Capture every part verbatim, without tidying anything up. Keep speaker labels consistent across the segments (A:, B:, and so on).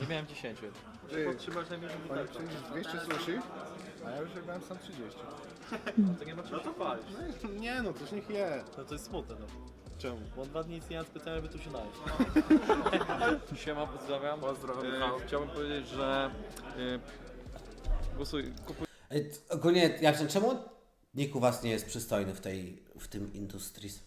A: miałem dziesięć.
B: Ty,
A: Podtrzymasz najmniej
B: Panie przyjdziesz dwieście sushi, a ja już jebałem sam trzydzieści.
A: To nie ma czego to palić.
B: No, nie no, coś niech je.
A: No to jest smutne, no.
B: Czemu?
A: Bo on dwa dni nic nie jadł specjalnie, by tu się najeść. Siema, pozdrawiam.
B: Pozdrawiam.
A: E, chciałbym powiedzieć, że e, głosuj, kupuj.
C: Ej, ogólnie, jak czemu nikt u was nie jest przystojny w tej, w tym industries?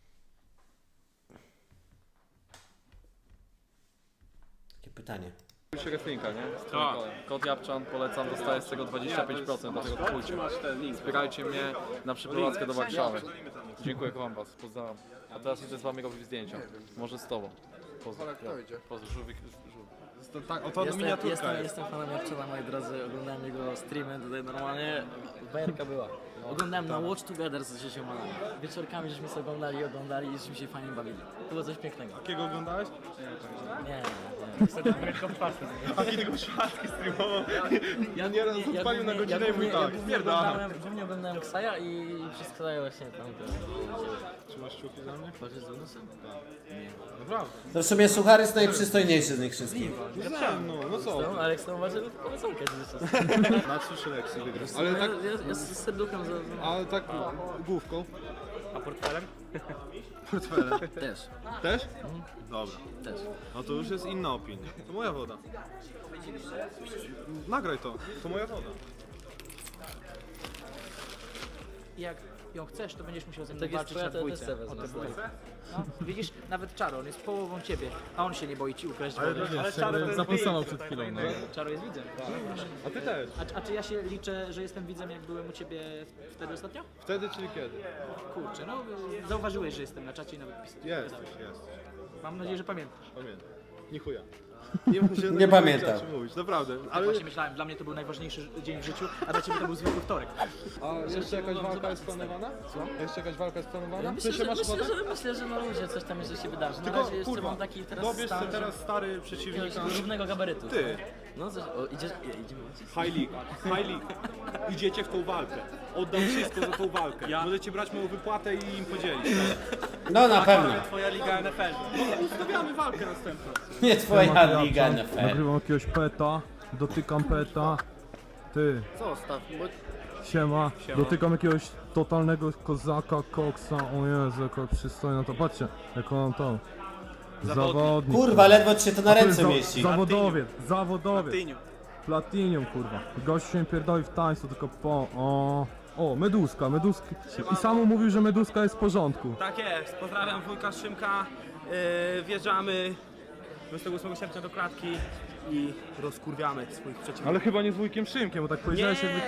C: Takie pytanie.
A: Kupujcie wrestlinga, nie? Z tym kodem. Kod Japczan polecam, dostaję z tego dwadzieścia pięć procent, dlatego kupujcie. Wspierajcie mnie na przeprowadzkę do Warszawy. Dziękuję, kocham was, pozdrawiam. A teraz idę z wami robić zdjęcia. Może z tobą. Pozdro.
B: Kto idzie?
A: Pozdro, żółwik, żółwik.
B: To, tak, oto
D: Jestem,
B: miniaturka
D: jestem,
B: jest.
D: jestem fanem Japczana, moi drodzy, oglądałem jego streamy, tutaj normalnie bajerka była. Oglądałem na Watch Together z dziesięcioma. Wieczorkami żeśmy sobie oglądali, oglądali i żeśmy się fajnie bawili. To było coś pięknego.
B: Jakiego oglądałeś?
D: Nie, nie, nie.
B: A kiedy go szatki streamował.
D: Ja
B: nieraz
D: głównie- ja
B: odpalił na
D: głównie-
B: godzinę
D: ja
B: i mówi
D: głównie-
B: tak,
D: ja głównie
B: spierdala.
D: oglądałem- Głównie oglądałem Ksaja i przez Ksaja właśnie tam.
B: Trzymasz kciuki za mnie?
D: Chodzi z Unusem?
B: Naprawdę.
C: To w sumie Suchar jest najprzystojniejszy z nich wszystkich.
B: No, no co?
D: No, Aleks to uważa, że poleconkę
B: Na trzy selekcje wygrał.
D: Ale
B: Ale tak,
D: ja, ja, ja z serduchem za... za...
B: ale tak główką.
D: A portfelem?
B: Portfelem.
D: Też,
B: Też? Dobra.
D: też.
B: No to już jest inna opinia. To moja woda. Nagraj to. To moja woda.
E: Jak ją chcesz, to będziesz musiał ze mną
D: Tak jest
E: walczyć
D: twoja,
E: na
D: to ja też
E: dwójce.
D: sobie
E: O
D: wezmę.
E: tę dwójkę. No, widzisz, nawet Czaro, on jest połową ciebie, a on się nie boi ci ukraść wody.
B: Ale Czaro
F: Zapostował przed chwilą, no.
E: Czaro jest widzem.
B: A ty też.
E: A, a czy ja się liczę, że jestem widzem, jak byłem u ciebie w- wtedy ostatnio?
B: Wtedy czyli kiedy?
E: Kurczę, no zauważyłeś, że jestem na czacie i nawet pisałem.
B: Jest, jest.
E: Mam nadzieję, że pamiętasz.
B: Pamiętam. Nie chuja. Nie, mam się
C: Nie pamiętam.
B: rzeczy mówić, naprawdę.
E: Ale
B: Ale
E: właśnie myślałem, dla mnie to był najważniejszy dzień w życiu, a dla ciebie to był zwykły wtorek.
B: a jeszcze jakaś walka jest planowana? Co? Jeszcze jakaś walka jest planowana?
D: Myślę,
B: Ty
D: że,
B: się masz
D: myślę,
B: ochotę?
D: że, myślę, że na ludzie coś tam jeszcze się wydarzy. Na
B: Tylko
D: razie jeszcze
B: kurwa,
D: mam taki teraz
B: dobierz
D: stan,
B: sobie teraz
D: że-
B: stary przeciwnika.
D: jakiegoś równego gabarytu.
B: Ty.
D: No coś, o, idziesz, je, idziemy ojciec?
G: High League, High League. Idziecie w tą walkę. Oddam wszystko za tą walkę. Możecie brać moją wypłatę i im podzielić.
C: No na pewno.
G: Twoja liga N F L. No, ustawiamy walkę następną.
C: Nie twoja liga N F L.
F: Nagrywam jakiegoś peta, dotykam peta. Ty,
D: Zostaw, bo
F: siema. Dotykam jakiegoś totalnego kozaka, koksa. O Jezu, jaka przystojna to. Patrzcie, jak on to. Zawodnik.
C: Kurwa, ledwo ci się to na
F: To jest
C: ręce
F: za-
C: mieści.
F: Zawodowiec, zawodowiec.
G: Tyniu.
F: Platinium, kurwa. Gość się pierdoli w tańcu, tylko po... O, o, meduska, meduski. I samo mówił, że meduska jest w porządku.
G: Tak jest. Pozdrawiam wujka Szymka. Yy, wjeżdżamy dwudziestego ósmego sierpnia do klatki i rozkurwiamy swoich przeciwników.
F: Ale chyba nie z wujkiem Szymkiem, bo tak powiedziałeś jakby...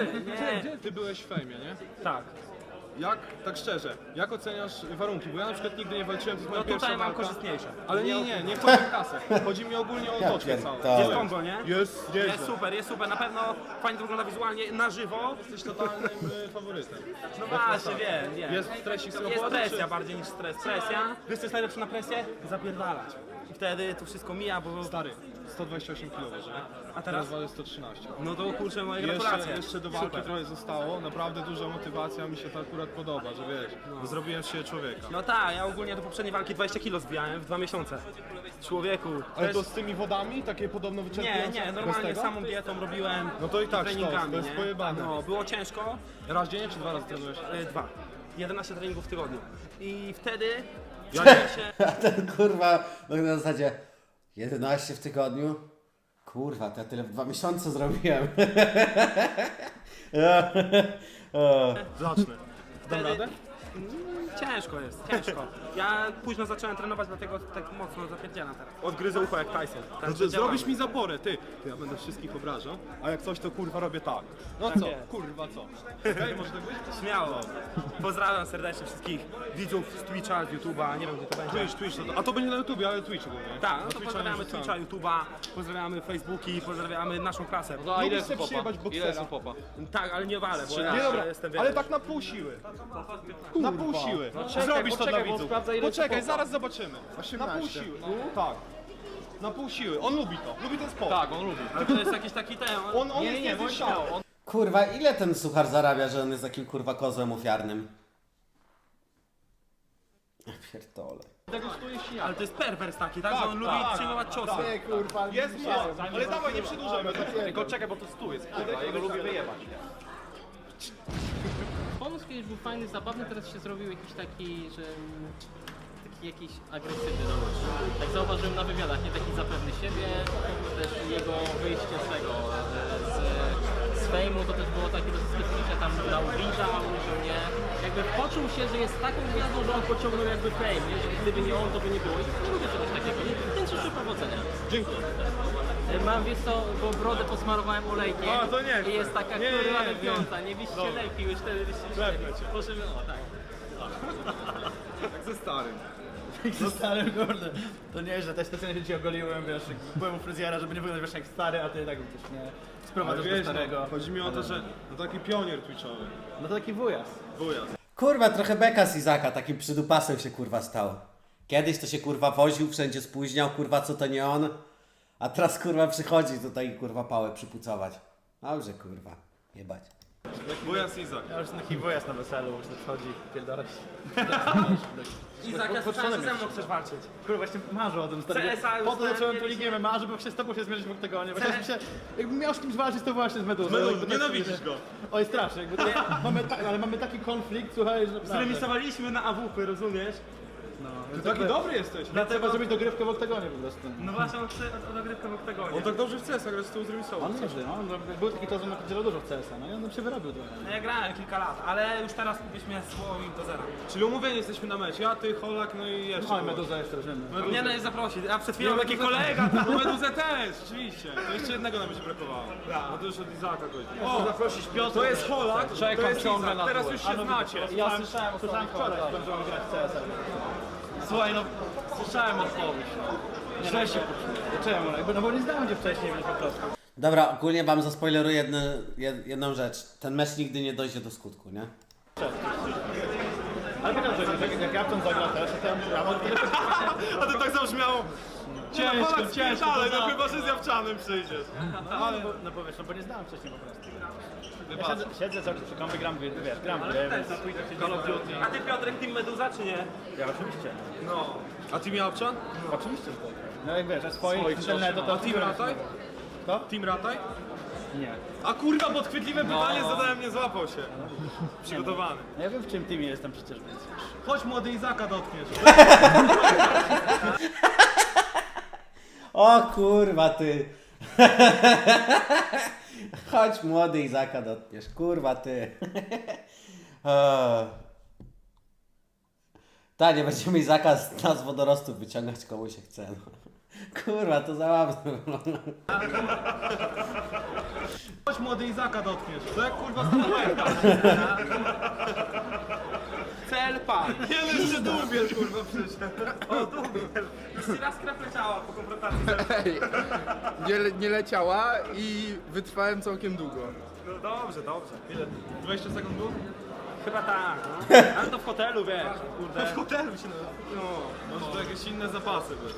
G: nie.
B: Ty byłeś w fejmie, nie?
G: Tak.
B: Jak, tak szczerze, jak oceniasz warunki? Bo ja na przykład nigdy nie walczyłem, to jest moja
G: No
B: pierwsza
G: tutaj mam
B: walka.
G: korzystniejsze.
B: Ale nie, nie, nie chodzi o kasę. Chodzi mi ogólnie o otoczkę całą.
C: pierdolę.
G: Jest Kongo, nie?
B: Jest, nieźle.
G: Jest super, jest super. Na pewno fajnie to wygląda wizualnie na żywo.
B: Jesteś totalnym y, faworytem.
G: No właśnie, wiem, wiem.
B: Jest stresik z
G: Jest
B: roboty,
G: presja
B: czy-
G: bardziej niż stres. Presja. Wiesz co jest najlepsze na presję? Zapierdalać. I wtedy to wszystko mija, bo...
B: Stary, sto dwadzieścia osiem kilo waży, nie?
G: A teraz?
B: waży sto trzynaście.
G: No to kurczę, moje
B: Jeszcze,
G: gratulacje.
B: jeszcze do walki
G: Super.
B: trochę zostało, naprawdę duża motywacja, mi się to akurat podoba, że wiesz, zrobiłem z siebie człowieka.
G: No tak, ja ogólnie do poprzedniej walki dwadzieścia kilo zbijałem w dwa miesiące. Człowieku.
B: Ale
G: też-
B: to z tymi wodami, takie podobno
G: Nie,
B: wyczerpujące?
G: nie,
B: Bez
G: normalnie
B: tego?
G: samą dietą robiłem.
B: No to i tak
G: treningami,
B: sztos, to jest
G: nie?
B: pojebane.
G: No, było ciężko.
B: Raz dziennie czy dwa razy trenujesz?
G: Y, Dwa. jedenaście treningów w tygodniu. I wtedy
B: Ja
G: czułem się...
C: A ten kurwa, no na zasadzie jedenaście w tygodniu. Kurwa, to ja tyle w dwa miesiące zrobiłem. O.
B: Zacznę. Dam
G: Wtedy-
B: radę?
G: Ciężko jest, ciężko. Ja późno zacząłem trenować, dlatego tak mocno zapierdzielam teraz. Odgryzę ucho jak Tyson.
B: No
G: Także
B: to
G: działamy.
B: zrobisz mi zaporę, ty. Ty, ja będę wszystkich obrażał, a jak coś to kurwa robię tak. No co,
G: jest.
B: kurwa co? Okej, może tak być?
G: Śmiało. Pozdrawiam serdecznie wszystkich widzów z Twitcha, z YouTube'a, nie wiem gdzie to będzie.
B: Twitch, Twitch, to, a to będzie na YouTubie, ale Twitch ogólnie.
G: Tak, no
B: Na
G: to
B: Twitcha
G: pozdrawiamy
B: nie wrzucamy.
G: Twitcha, YouTube'a, pozdrawiamy Facebooki, pozdrawiamy naszą klasę.
A: No a ile
B: Lubisz
A: jest
B: sobie
A: popa?
B: przyjebać
A: Ile
B: boksera?
A: jest popa?
G: Tak, ale nie walę, bo
B: Nie
G: ja
B: dobra,
G: jestem
B: ale
G: wiesz,
B: tak na pół siły. Na pół siły. Zrobisz to dla
A: poczekaj, bo
B: widzów.
A: sprawdzę, ile
B: Poczekaj,
A: jest
B: zaraz zobaczymy. Na pół siły. Tak. Na pół siły. On lubi to. Lubi ten sport.
A: Tak, on lubi.
G: ale to jest jakiś taki ten...
B: On, on
A: Nie,
B: jest
A: nie, nie,
B: niezniszczalny.
A: śmiało.
C: Kurwa, ile ten Suchar zarabia, że on jest takim kurwa kozłem ofiarnym? Ja pierdolę.
G: Ale to jest perwers taki, tak? Że on lubi przyjmować ciosy.
B: Jest, jest, ale dawaj, nie przedłużajmy. Tylko czekaj, bo to stół jest, kurwa, jego lubię wyjebać.
H: Pomysł kiedyś był fajny, zabawny, teraz się zrobił jakiś taki, że taki jakiś agresywny dosyć. Tak zauważyłem na wywiadach, nie taki zapewny siebie, też jego wyjście z tego, z, z fejmu to też było takie dosyć specyficzne, tam na ubliża, użył nie. Jakby poczuł się, że jest taką gwiazdą, że on pociągnął jakby fame, nie? Że gdyby nie on, to by nie było. I nie lubię czegoś takiego, nie? Więc życzę powodzenia. Dziękuję. Mam, wiesz co, bo brodę posmarowałem olejkiem.
B: A, to nie
H: I jest taka
B: Nie, nie,
H: kurwa
B: nie, nie.
H: lepiąca, nie byście lepiej, już wtedy byście lepiej. Możemy, o tak.
B: Jak ze starym.
I: No stary, kurde. To nie, że też specjalnie się ci ogoliłem, wiesz, jak byłem u fryzjera, żeby nie wyglądać wiesz jak stary, a ty tak też nie sprowadzasz do starego.
B: Chodzi mi o to, że no taki pionier twitchowy.
I: No to taki wujas.
B: Wujas.
C: Kurwa, trochę beka z Izaka, takim przydupasem się kurwa stał. Kiedyś to się kurwa woził, wszędzie spóźniał, kurwa co to nie on. A teraz kurwa przychodzi tutaj kurwa pałę przypucować. Dobrze kurwa, jebać.
B: Wujas Izak.
I: Ja już taki wujas na weselu, już tak chodzi, pierdolać.
G: Izak, ja słyszałem, że ze mną chcesz walczyć.
I: Kurwa, właśnie marzę o tym stary.
G: C S A już
I: Po to zacząłem tu
G: mieliśmy.
I: ligę M M A, żeby się z tobą się zmierzyć w oktagonie. Właśnie jakbym się, jakbym miał z kimś walczyć, to właśnie z Meduzą.
B: Meduzą,
I: Jakby tak
B: nienawidzisz
I: sobie-
B: go.
I: Oj, strasznie, jakby to, mamy, ta, ale mamy taki konflikt, słuchaj, że naprawdę.
G: Zremisowaliśmy na A W P, rozumiesz?
I: No,
B: Ty taki dobry jesteś.
I: Trzeba zrobić dogrywkę w oktagonie po prostu.
G: No właśnie, on chce o dogrywkę w oktagonie.
B: On tak dobrze w C S a gra z tyłu zremisował.
I: On nieźle, no. On był taki to, że napidział dużo w C S a, no i on się wyrobił trochę.
G: No ja grałem kilka lat, ale już teraz byśmy słowo im do zera.
B: Czyli umówieni jesteśmy na mecz. Ja, ty, Holak, no i jeszcze.
I: No i
B: kogoś.
I: Meduza jeszcze rozumiem.
G: Mnie no zaprosić, a przed chwilą
B: Nie,
G: taki
B: Meduzę-
G: kolega tam.
B: No Meduzę też, oczywiście. To jeszcze jednego nam będzie brakowało. No to już od Izaka chodzi. O,
I: Zaprosić Piotr.
B: to jest Holak, to
A: Czekam
B: jest
A: ciągle
B: Izak.
A: na
B: Teraz
A: dół.
B: już się znacie.
I: Ja słyszałem, słyszałem wczoraj, że będziemy grać w C S a. Słuchaj, no, słyszałem odpowiedź. Źle się poczułem. Czemu? Jakby, no bo nie znałem cię wcześniej, więc po prostu.
C: Dobra, ogólnie wam zaspoileruję jedno, jed, jedną rzecz. Ten mecz nigdy nie dojdzie do skutku, nie?
I: Ale pytam, że jak, jak Japczan zagra też, to ja, ja mam tyle...
B: A to tak zabrzmiało.
I: Ciężko,
B: No Holak
I: ciężko,
B: ale
I: to
B: no
I: za-
B: chyba, że z Jawczanem przyjdziesz.
I: No, no, bo, no bo wiesz, no bo nie znałem wcześniej po prostu. Ja siedzę, siedzę cały czas przy kąpie, gram, wiesz, gram, ale więc...
G: A ty Piotrek, Team Meduza czy nie?
I: Ja oczywiście.
B: No. A Team Jawczan?
I: Oczywiście, że tak. No jak wiesz, a swoich internetu to...
B: A Team Rataj?
I: Kto?
B: Team Rataj?
I: Nie.
B: A kurwa, podchwytliwe pytanie zadałem, nie złapał się. Przygotowany.
I: No ja wiem w czym teamie jestem przecież, więc...
B: Chodź młody Izaka dotkniesz.
C: O kurwa ty. Chodź młody Izaka dotkniesz, kurwa ty. O. Ta, nie będziemy Izaka z nas wodorostów wyciągać komu się chce. No. Kurwa, to zabawne.
B: Chodź młody Izaka dotkniesz. To jak kurwa stanowerka.
G: Cel pan.
B: Nie no, jeszcze dłubiel kurwa przyszedł.
G: O, dubiel. Jeszcze raz krew leciała po konfrontacji.
J: Nie, le- nie leciała i wytrwałem całkiem długo.
G: No dobrze, dobrze.
B: Ile? dwadzieścia sekund było?
G: Chyba tak, no. Ale to w hotelu, wiesz, kurde.
B: W hotelu się no. Może to jakieś inne zapasy były.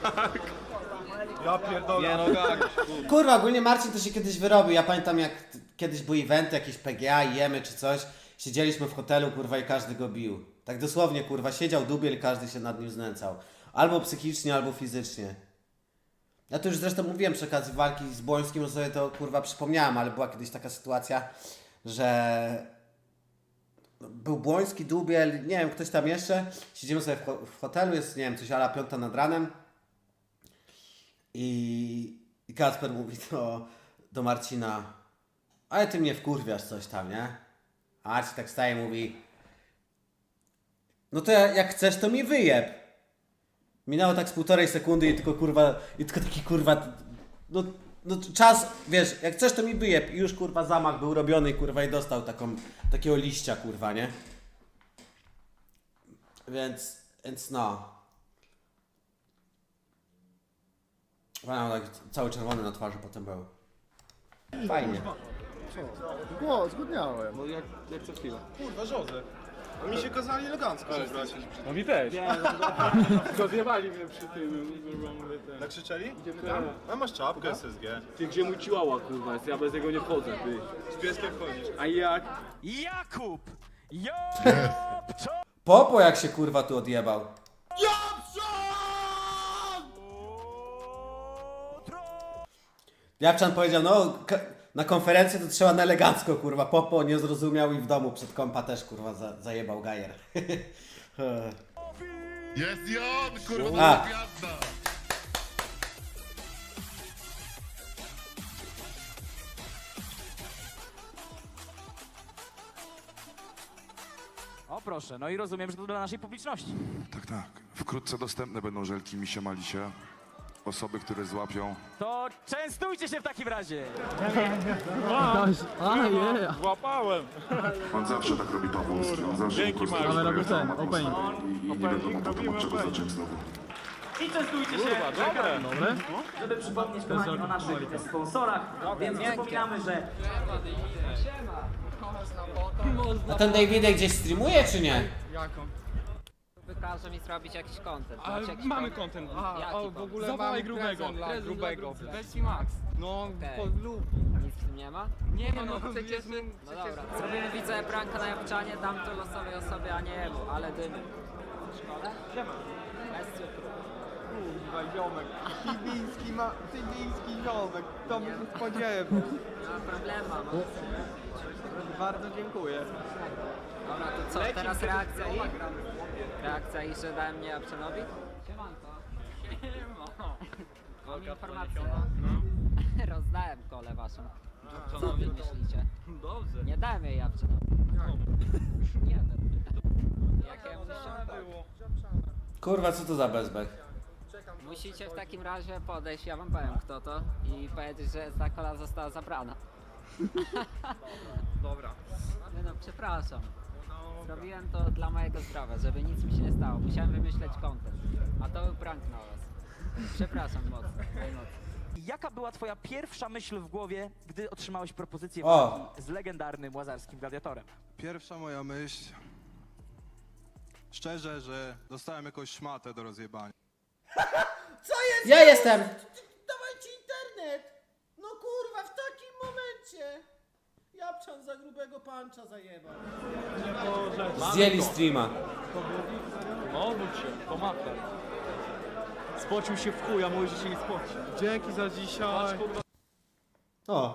B: Ja pierdolę.
A: Nie no, gag.
C: Kurwa, ogólnie Marcin to się kiedyś wyrobił. Ja pamiętam jak t- kiedyś były eventy, jakieś P G A i jemy czy coś. Siedzieliśmy w hotelu, kurwa, i każdy go bił. Tak dosłownie, kurwa, siedział dubiel i każdy się nad nim znęcał. Albo psychicznie, albo fizycznie. Ja to już zresztą mówiłem przy okazji walki z Błońskim, że sobie to kurwa przypomniałem, ale była kiedyś taka sytuacja, że był Błoński, Dubiel, nie wiem, ktoś tam jeszcze. Siedzimy sobie w, ho- w hotelu, jest, nie wiem, coś ala piąta nad ranem. I, i Kacper mówi do, do Marcina, ale ty mnie wkurwiasz coś tam, nie? A Marcin tak staje i mówi, no to ja- jak chcesz, to mi wyjeb. Minęło tak z półtorej sekundy i tylko kurwa, i tylko taki kurwa, no, no czas, wiesz, jak chcesz, to mi wyjeb. I już kurwa zamach był robiony i kurwa i dostał taką, takiego liścia kurwa, nie? Więc, więc no. Wow, tak cały czerwony na twarzy potem był. Fajnie.
J: O, zgodniałem.
A: No jak, jak co chwilę.
B: Kurwa, Jose. Mi się kazali elegancko przebrać.
A: No mi też.
J: Tylko zjebali mnie przy tym.
B: Tak krzyczeli? A masz czapkę S S G.
A: Ty gdzie mój chihuahua kurwa jest? Ja bez niego nie wchodzę, ty.
B: Z pieskiem chodzisz.
A: A jak?
C: Popo jak się kurwa tu odjebał. Japczan powiedział, no ka- na konferencję to trzeba na elegancko, kurwa. Popo nie zrozumiał i w domu przed kompa też, kurwa, za, zajebał gajer.
K: Jest i on, kurwa,
C: A.
K: gwiazda!
E: O proszę, no i rozumiem, że to dla naszej publiczności.
K: Tak, tak. Wkrótce dostępne będą żelki Misie Malisie. Osoby, które złapią.
E: To częstujcie się w takim razie.
F: A, je!
B: Złapałem!
K: On zawsze tak robi Pawłowski. On zawsze
B: Dzięki,
K: po prostu
B: Marek.
F: Ale robię
K: rozprawia
F: ten,
K: całą
F: opening.
K: atmosferę I, i nie wiadomo potem od czego zacząć znowu.
E: I częstujcie się.
B: Dobre!
F: Dobre?
E: Żeby przypomnieć kochani o naszych sponsorach, więc przypominamy, że
C: A ten Davidek gdzieś streamuje, czy nie?
L: Wykaże mi zrobić jakiś content.
B: Ale
L: Znaczy jakiś
B: mamy
L: content.
B: content.
L: Jaki
B: A, o, w
L: content?
B: ogóle Zawołaj grubego. Dla grubego. Weź Max. No,
L: Okej.
B: po lub.
L: Nic w tym nie ma?
B: Nie ma, no przecież...
L: No dobra. Zrobimy widzę pranka na Japczanie, dam to losowej osobie, a nie jemu, ale dymy. W szkole? Bez cukru.
B: Kurwa, ziomek. Tybiński ma... Tybiński ziomek. To by się spodziewał.
L: Nie ma problemu, no.
B: Bardzo dziękuję.
L: Dobra, to co, teraz reakcja i? Reakcja i, że dałem mnie Japczanowi? Siemanko. Mam informację. Rozdałem kolę waszą. Co wy myślicie?
B: Dobrze.
L: Nie dałem jej Japczanowi. Nie dam. Jakiemu było?
C: Kurwa, co to za bezbek?
L: Musicie w takim razie podejść, ja wam powiem kto to i powiedzieć, że ta kola została zabrana.
B: Dobra.
L: Nie no, przepraszam. Zrobiłem to dla mojego zdrowia, żeby nic mi się nie stało. Musiałem wymyśleć content. A to był prank na was. Przepraszam mocno. najmocniej.
E: jaka była twoja pierwsza myśl w głowie, gdy otrzymałeś propozycję
C: O.
E: walki z legendarnym łazarskim gladiatorem?
M: Pierwsza moja myśl, szczerze, że dostałem jakąś szmatę do rozjebania.
C: Co jest? Ja jestem! Dawajcie internet! No kurwa, w takim momencie! Japczan za grubego pancza zajebał. Zdjęli streama.
A: No, obudź się, pomachaj. Spocił się w chuj, a mówi, że się nie spoci.
B: Dzięki za dzisiaj.
C: O.